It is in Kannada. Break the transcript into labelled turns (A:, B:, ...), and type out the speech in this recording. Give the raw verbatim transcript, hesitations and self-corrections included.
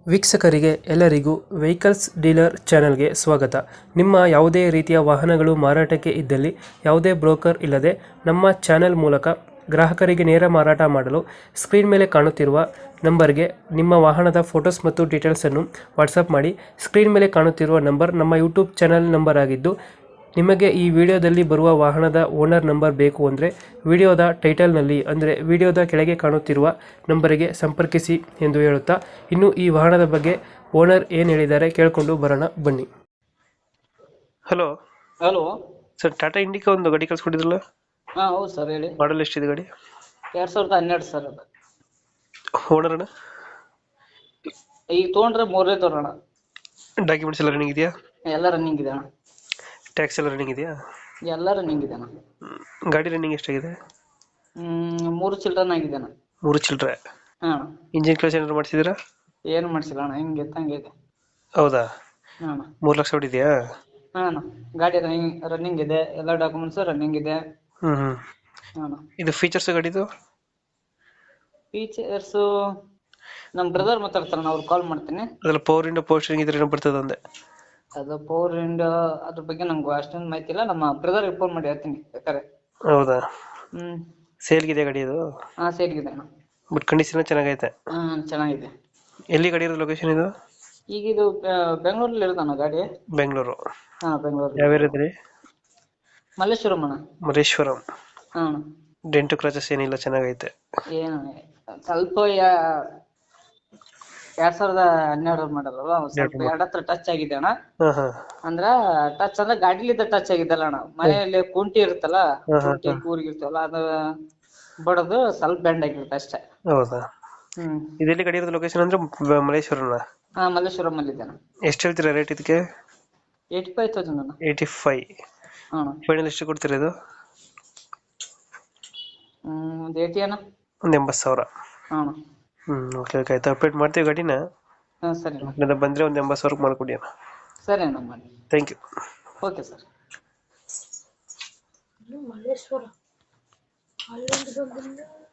A: ವೀಕ್ಷಕರಿಗೆ ಎಲ್ಲರಿಗೂ ವೆಹಿಕಲ್ಸ್ ಡೀಲರ್ ಚಾನೆಲ್ಗೆ ಸ್ವಾಗತ. ನಿಮ್ಮ ಯಾವುದೇ ರೀತಿಯ ವಾಹನಗಳು ಮಾರಾಟಕ್ಕೆ ಇದ್ದಲ್ಲಿ ಯಾವುದೇ ಬ್ರೋಕರ್ ಇಲ್ಲದೆ ನಮ್ಮ ಚಾನೆಲ್ ಮೂಲಕ ಗ್ರಾಹಕರಿಗೆ ನೇರ ಮಾರಾಟ ಮಾಡಲು ಸ್ಕ್ರೀನ್ ಮೇಲೆ ಕಾಣುತ್ತಿರುವ ನಂಬರ್ಗೆ ನಿಮ್ಮ ವಾಹನದ ಫೋಟೋಸ್ ಮತ್ತು ಡೀಟೇಲ್ಸನ್ನು ವಾಟ್ಸಪ್ ಮಾಡಿ. ಸ್ಕ್ರೀನ್ ಮೇಲೆ ಕಾಣುತ್ತಿರುವ ನಂಬರ್ ನಮ್ಮ ಯೂಟ್ಯೂಬ್ ಚಾನೆಲ್ ನಂಬರ್ ಆಗಿದ್ದು, ನಿಮಗೆ ಈ ವಿಡಿಯೋದಲ್ಲಿ ಬರುವ ವಾಹನದ ಓನರ್ ನಂಬರ್ ಬೇಕು ಅಂದರೆ ವಿಡಿಯೋದ ಟೈಟಲ್ನಲ್ಲಿ ಅಂದರೆ ವಿಡಿಯೋದ ಕೆಳಗೆ ಕಾಣುತ್ತಿರುವ ನಂಬರಿಗೆ ಸಂಪರ್ಕಿಸಿ ಎಂದು ಹೇಳುತ್ತಾ, ಇನ್ನು ಈ ವಾಹನದ ಬಗ್ಗೆ ಓನರ್ ಏನು ಹೇಳಿದ್ದಾರೆ ಕೇಳಿಕೊಂಡು ಬರೋಣ ಬನ್ನಿ. Hello
B: hello
A: sir, Tata Indica ಒಂದು ಗಾಡಿ ಕಳ್ಸ್ಕೊಟ್ಟಿದ್ರಲ್ಲ,
B: ಹಾ ಹೌದು ಸರ್ ಹೇಳಿ.
A: ಮಾಡಲ್ ಎಷ್ಟಿದೆ ಗಾಡಿ?
B: ಎರಡ್ ಸಾವಿರದ ಹನ್ನೆರಡು ಸರ್ ಅದು.
A: ಓನರ್ ಅಣ್ಣ?
B: ಈಗ ತೊಗೊಂಡ್ರೆ ಮೂರನೇ ತಗೋಣ.
A: ಡಾಕ್ಯುಮೆಂಟ್ಸ್ ಎಲ್ಲ ರನ್ನಿಂಗ್ ಇದೆಯಾ?
B: ಎಲ್ಲ ರನ್ನಿಂಗ್ ಇದೆ ಅಣ್ಣ.
A: ಟ್ಯಾಕ್ಸ್ ಎಲ್ಲ ರನ್ನಿಂಗ್ ಇದೆಯಾ?
B: ಎಲ್ಲ ರನ್ನಿಂಗ್ ಇದೆ ಅಣ್ಣ.
A: ಗಾಡಿ ರನ್ನಿಂಗ್ ಎಷ್ಟಾಗಿದೆ?
B: ಹ್ಮ್ ಮೂರು ಚಿಲ್ಡ್ರನ್ ಆಗಿದೆ ಅಣ್ಣ.
A: ಮೂರು ಚಿಲ್ಲರೆ.
B: ಹಾ
A: ಇಂಜಿನ್ ಕೆಲಸ ಏನಾದ್ರು ಮಾಡಿಸಿದ್ದೀರಾ?
B: ಏನು ಮಾಡಿಸಿಲ್ಲ ಅಣ್ಣ, ಹಿಂಗೆ ತಂಗೆ ಇದೆ.
A: ಹೌದಾ?
B: ಹಾ ಅಣ್ಣ.
A: ಮೂರು ಲಕ್ಷ ಹೊಡಿದೆಯಾ?
B: ಹಾ ಅಣ್ಣ, ಗಾಡಿ ರನ್ನಿಂಗ್ ರನ್ನಿಂಗ್ ಇದೆ, ಎಲ್ಲ ಡಾಕ್ಯುಮೆಂಟ್ಸ್ ರನ್ನಿಂಗ್ ಇದೆ.
A: ಹ್ಮ್ ಹ್ಮ್
B: ಹಾ ಅಣ್ಣ.
A: ಇದು ಫೀಚರ್ಸ್ ಗಾಡಿದು?
B: ಫೀಚರ್ಸ್ ನಮ್ಮ ಬ್ರದರ್ ಮಾತಾಡ್ತಾರಣ್ಣ, ಅವ್ರು ಕಾಲ್ ಮಾಡ್ತೀನಿ.
A: ಅದ್ರಲ್ಲಿ ಪವರ್ ಇಂಡೋ ಪವರ್ ಸ್ಟೀರಿಂಗ್ ಇದ್ರೆ ಏನೋ ಬರ್ತದೆ ಒಂದೇ.
B: ಅದು ಪವರ್ ವಿಂಡ್ ಅದ್ರ ಬಗ್ಗೆ ನಂಗೆ ಅಷ್ಟೊಂದು ಮಾಹಿತಿ ಇಲ್ಲ, ನಮ್ಮ ಬ್ರದರ್ ಫೋನ್ ಮಾಡಿ ಹೇಳ್ತೀನಿ ಬೇಕಾರೆ.
A: ಹೌದಾ?
B: ಹ್ಮ್
A: ಸೇಲ್ಗಿದೆ ಗಾಡಿ ಇದು?
B: ಹಾ ಸೇರಿಗಿದೆ ಅಣ್ಣ. ಬಟ್
A: ಕಂಡೀಷನ್ ಚೆನ್ನಾಗೈತೆ?
B: ಹಾ ಚೆನ್ನಾಗಿದೆ.
A: ಎಲ್ಲಿ ಗಾಡಿ ಇರೋದು ಲೊಕೇಶನ್ ಇದು?
B: ಈಗ ಇದು ಬೆಂಗಳೂರಲ್ಲಿ ಇರೋದಣ್ಣ ಗಾಡಿ.
A: ಬೆಂಗಳೂರು?
B: ಹಾ ಬೆಂಗಳೂರು.
A: ಯಾವ ಏರಿಯಾದ್ರಿ?
B: ಮಲ್ಲೇಶ್ವರಂ ಅಣ್ಣ.
A: ಮಲ್ಲೇಶ್ವರಂ.
B: ಹಾ ಅಣ್ಣ.
A: ಡೆಂಟು ಕ್ರಾಚಸ್ ಏನಿಲ್ಲ, ಚೆನ್ನಾಗೈತೆ?
B: ಏನು ಸ್ವಲ್ಪ ಎರಡ್ ಸಾವಿರದ ಹನ್ನೆರಡು ಮಾಡಲ್ಲ, ಸ್ವಲ್ಪ ಎರಡ್ ಹತ್ರ ಟಚ್ ಆಗಿದೆ ಅಣ್ಣ.
A: ಹಾ ಹಾ
B: ಅಂದ್ರ ಟಚ್ ಅಂದ್ರೆ ಗಾಡಿಲಿದ್ದ ಟಚ್ ಆಗಿದ್ದಲ್ಲ ಅಣ್ಣ, ಮನೆಯಲ್ಲಿ ಕುಂಟಿ ಇರುತ್ತಲ್ಲ, ಕುಂಟಿ ಕೂರ್ಗಿರ್ತವಲ್ಲ, ಅದು ಬಡದು ಸ್ವಲ್ಪ ಬೆಂಡ್ ಆಗಿರುತ್ತೆ ಅಷ್ಟೇ.
A: ಹೌದಾ?
B: ಹ್ಮ್
A: ಇದೆಲ್ಲಿ ಗಾಡಿ ಇರೋದು ಲೊಕೇಶನ್ ಅಂದ್ರೆ ಮಲ್ಲೇಶ್ವರನ?
B: ಹಾ ಮಲ್ಲೇಶ್ವರಂ ಅಲ್ಲಿ ಇದೆ ಅಣ್ಣ.
A: ಎಷ್ಟು ಹೇಳ್ತೀರಾ ರೇಟ್ ಇದಕ್ಕೆ?
B: ಏಯ್ಟಿ ಫೈವ್ ತೌಸಂಡ್ ಅಣ್ಣ.
A: Eighty five.
B: ಹಾ
A: ಫೈನಲ್ ಎಷ್ಟು ಕೊಡ್ತೀರಾ ಇದು?
B: ಹ್ಮ್ ಒಂದ್ ಏಯ್ಟಿ ಅಣ್ಣ.
A: ಒಂದು ಎಂಬತ್ತು ಸಾವಿರ.
B: ಹಾ
A: ಹ್ಮ್ ಓಕೆ ಓಕೆ ಆಯ್ತು, ಅಪ್ಡೇಟ್ ಮಾಡ್ತೀವಿ ಗಾಡಿನ.
B: ಹಾ ಸರಿ ಅಣ್ಣ.
A: ಬಂದ್ರೆ ಒಂದು ಎಂಬತ್ತು ಸಾವಿರಕ್ಕೆ ಮಾಡ್ಕೊಡಿ ಅಣ್ಣ.
B: ಸರಿ ಅಣ್ಣ ಮಾಡಿ.
A: Thank you.
B: Okay sir.
C: Malleshwara ಅಲ್ಲೊಂದು ಬಂದಿಲ್ಲ.